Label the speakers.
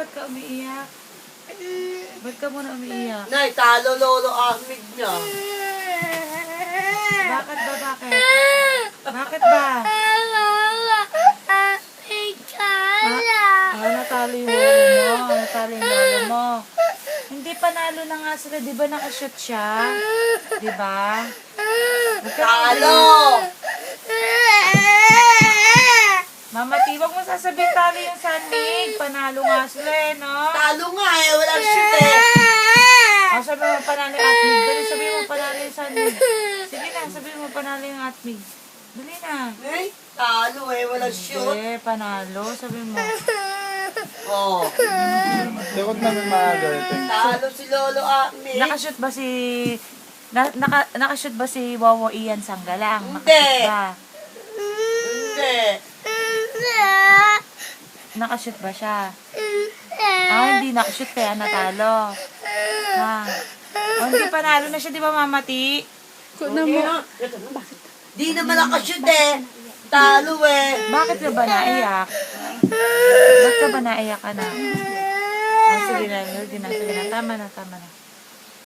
Speaker 1: ba't ka umiiyak? Ba't ka muna umiiyak?
Speaker 2: Nay, talo lolo Ahmed niya.
Speaker 1: Bakit ba, bakit? Bakit ba? Natalo yung lolo mo. Natalo yung lolo mo. Hindi, panalo na nga sila. Di ba nakashoot siya? Di ba?
Speaker 2: Talo!
Speaker 1: Mama T, wag mo sasabihin talo yung Sanmig. Panalo nga sila eh, no?
Speaker 2: Talo nga eh, walang shoot eh.
Speaker 1: Sabi mo panalo yung Atmig. Dali, sabihin mo panalo yung Sanmig. Sige na, sabihin mo panalo yung Atmig. Dali na.
Speaker 2: Nay, talo eh, walang shoot.
Speaker 1: Hindi, panalo. Sabihin mo.
Speaker 2: Oh.
Speaker 3: Likod namin maaga ito.
Speaker 2: Talo si lolo Ahmed.
Speaker 1: Nakashoot ba si... nakashoot ba si Wawa Ian Sanggalang?
Speaker 2: Hindi.
Speaker 1: Nakashoot ba?
Speaker 2: Hindi.
Speaker 1: Nakashoot ba siya? Hindi nakashoot kaya natalo. Hindi panalo na siya, di ba, Mama T?
Speaker 2: Di naman nakashoot eh. Talo eh.
Speaker 1: Bakit ka ba naiyak? Ba't ka ba naiyak ka na? Sige na, sige na. Tama na, tama na.